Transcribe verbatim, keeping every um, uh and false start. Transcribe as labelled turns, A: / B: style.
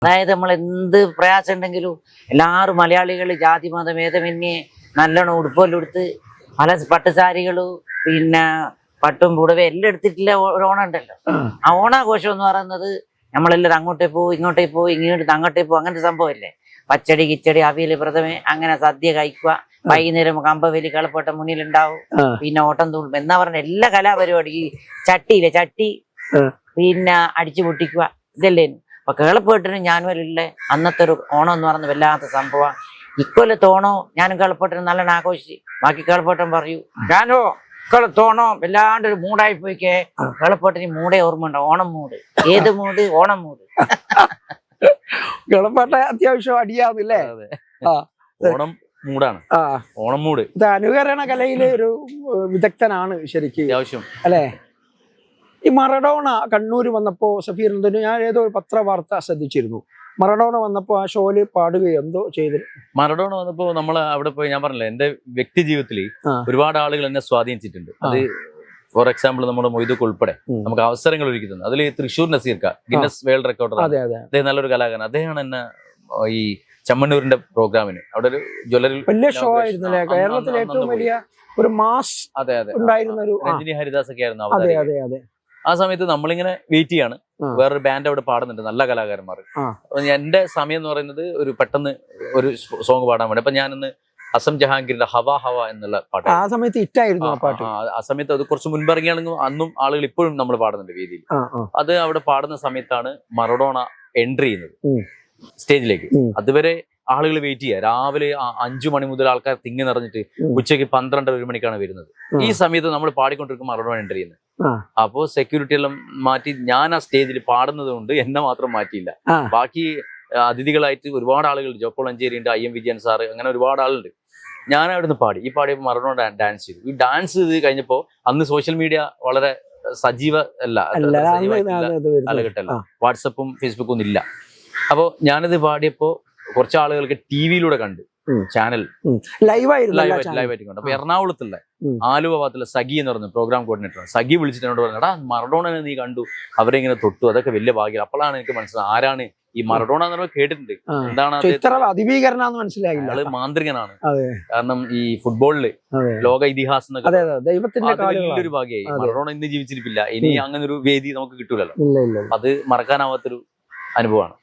A: അതായത് നമ്മൾ എന്ത് പ്രയാസം ഉണ്ടെങ്കിലും എല്ലാവരും മലയാളികൾ ജാതി മതഭേദമന്യേ നല്ലോണം ഉടുപ്പെല്ലാം എടുത്ത് പല പട്ടുസാരികളും പിന്നെ പട്ടും പുടവയും എല്ലാം എടുത്തിട്ടില്ല ഒരു ഓണം ഉണ്ടല്ലോ. ആ ഓണാഘോഷം എന്ന് പറയുന്നത് നമ്മളെല്ലാവരും അങ്ങോട്ടേ പോകും ഇങ്ങോട്ടേ പോകും ഇങ്ങോട്ട് അങ്ങോട്ടേ പോകും അങ്ങനത്തെ സംഭവമല്ലേ. പച്ചടി കിച്ചടി അവിയൽ പ്രഥമേ അങ്ങനെ സദ്യ കഴിക്കുക, വൈകുന്നേരം കമ്പവലി കളപ്പോട്ട മുന്നിലുണ്ടാവും, പിന്നെ ഓട്ടം തുള്ളും എന്നാ പറഞ്ഞ എല്ലാ കലാപരിപാടി ഈ ചട്ടിയില്ലേ ചട്ടി പിന്നെ അടിച്ചു പൊട്ടിക്കുക ഇതല്ലേ. അപ്പൊ കേളപ്പോട്ടിന് ഞാനുമല്ലേ അന്നത്തെ ഒരു ഓണം എന്ന് പറയുന്നത് വല്ലാത്ത സംഭവം. ഇക്കൊല്ലത്തെ ഓണോ ഞാനും കേളപ്പോട്ടിന് നല്ലോണം ആഘോഷിച്ച് ബാക്കി കേളപ്പോട്ടൻ പറയൂ ഞാനോ ഇക്കൊല്ലത്തോണോ വല്ലാണ്ട് ഒരു മൂടായി പോയിക്കേ. കേളപ്പോട്ടിന് മൂടേ ഓർമ്മ ഉണ്ടോ? ഓണം മൂട്. ഏത് മൂട്? ഓണം മൂട്.
B: കേളപ്പോട്ട അത്യാവശ്യം അടിയാവില്ലേ?
C: ഓണം മൂടാണ്. ഓണം മൂട്
B: ഇത് അനുകരണ കലയിലെ ഒരു വിദഗ്ധനാണ് ശരിക്കും
C: അത്യാവശ്യം
B: അല്ലേ. ഈ മറഡോണ കണ്ണൂർ വന്നപ്പോ സഫീർ ഞാൻ ഏതോ ഒരു പത്രവാർത്ത ശ്രദ്ധിച്ചിരുന്നു. മറഡോണ വന്നപ്പോ ആ ഷോയില് പാടുകയോ എന്തോ ചെയ്തു.
C: മറഡോണ വന്നപ്പോ നമ്മൾ അവിടെ പോയി ഞാൻ പറഞ്ഞില്ല എന്റെ വ്യക്തി ജീവിതത്തിൽ ഒരുപാട് ആളുകൾ എന്നെ സ്വാധീനിച്ചിട്ടുണ്ട്. അത് ഫോർ എക്സാമ്പിൾ നമ്മുടെ മൊയ്തുക്ക് ഉൾപ്പെടെ നമുക്ക് അവസരങ്ങൾ ഒരുക്കി തന്നു. അതിൽ തൃശ്ശൂർ നസീർക്ക ഗിന്നസ് വേൾഡ് റെക്കോർഡർ, അദ്ദേഹം നല്ലൊരു കലാകാരൻ. അദ്ദേഹമാണ് എന്നെ ഈ ചമ്മണ്ണൂരിന്റെ പ്രോഗ്രാമിന് അവിടെ ഒരു ജ്വല്ലറി
B: വലിയ ഷോ ആയിരുന്നു കേരളത്തിലെ ഏറ്റവും വലിയ ഒരു മാസ്.
C: അതെ അതെ
B: ഉണ്ടായിരുന്ന ഒരു
C: രഞ്ജിനി ഹരിദാസ് ഒക്കെ ആയിരുന്നു. ആ സമയത്ത് നമ്മളിങ്ങനെ വെയിറ്റ് ചെയ്യാണ്. വേറൊരു ബാൻഡ് അവിടെ പാടുന്നുണ്ട്, നല്ല കലാകാരന്മാർ. എന്റെ സമയം എന്ന് പറയുന്നത് ഒരു പെട്ടെന്ന് ഒരു സോങ് പാടാൻ വേണ്ടി. അപ്പൊ ഞാനിന്ന് അസം ജഹാംഗീറിന്റെ ഹവ ഹവ എന്നുള്ള പാട്ട്
B: ആ സമയത്ത് ഹിറ്റായിരുന്നു ആ പാട്ട്.
C: ആ സമയത്ത് അത് കുറച്ച് മുൻപ് ഇറങ്ങിയാണെങ്കിൽ അന്നും ആളുകൾ ഇപ്പോഴും നമ്മൾ പാടുന്നുണ്ട് വേദിയിൽ. അത് അവിടെ പാടുന്ന സമയത്താണ് മറഡോണ എൻട്രി ചെയ്യുന്നത് സ്റ്റേജിലേക്ക്. അതുവരെ ആളുകൾ വെയിറ്റ് ചെയ്യുക. രാവിലെ അഞ്ചു മണി മുതൽ ആൾക്കാർ തിങ്ങി നിറഞ്ഞിട്ട് ഉച്ചയ്ക്ക് പന്ത്രണ്ടര ഒരു മണിക്കാണ് വരുന്നത്. ഈ സമയത്ത് നമ്മൾ പാടിക്കൊണ്ടിരിക്കുമ്പോൾ മറഡോണ എൻട്രി ചെയ്യുന്നത്. അപ്പോ സെക്യൂരിറ്റി എല്ലാം മാറ്റി ഞാൻ ആ സ്റ്റേജിൽ പാടുന്നത് കൊണ്ട് എന്നെ മാത്രം മാറ്റിയില്ല. ബാക്കി അതിഥികളായിട്ട് ഒരുപാട് ആളുകൾ, ജോപ്പോൾ അഞ്ചേരി ഉണ്ട്, ഐ എം വിജയൻ സാറ്, അങ്ങനെ ഒരുപാട് ആളുണ്ട്. ഞാൻ അവിടുന്ന് പാടി. ഈ പാടിയപ്പോൾ മറഡോണ ഡാൻസ് ചെയ്തു. ഈ ഡാൻസ് ചെയ്ത് കഴിഞ്ഞപ്പോ അന്ന് സോഷ്യൽ മീഡിയ വളരെ സജീവ അല്ല കാലഘട്ടമല്ല, വാട്സപ്പും ഫേസ്ബുക്കും ഒന്നും ഇല്ല. അപ്പോൾ ഞാനിത് പാടിയപ്പോ കുറച്ച് ആളുകൾക്ക് ടി വിയിലൂടെ കണ്ടു, ചാനൽ
B: ലൈവായിട്ട്
C: ലൈവായിട്ട് കണ്ടു. അപ്പൊ എറണാകുളത്തുള്ള ആലുവ ഭാഗത്തുള്ള സഖി എന്ന് പറയുന്ന പ്രോഗ്രാം കോർഡിനേറ്റർ സഖി വിളിച്ചിട്ട് എന്നോട് പറഞ്ഞു, എടാ മറഡോണനെ നീ കണ്ടു, അവരെ ഇങ്ങനെ തൊട്ടു, അതൊക്കെ വലിയ ഭാഗ്യം. അപ്പോഴാണ് എനിക്ക് മനസ്സിലായത് ആരാണ് ഈ മറഡോണ എന്ന് കേട്ടിട്ടുണ്ട്, എന്താണ്
B: മനസ്സിലായില്ല.
C: ആള് മാന്ത്രികനാണ്. കാരണം ഈ ഫുട്ബോളില് ലോക ഇതിഹാസം വലിയൊരു ഭാഗ്യമായി. മറഡോണ ഇന്ന് ജീവിച്ചിരിപ്പില്ല, ഇനി അങ്ങനെ ഒരു വേദി നമുക്ക് കിട്ടൂലല്ലോ. അത് മറക്കാനാവാത്തൊരു അനുഭവമാണ്.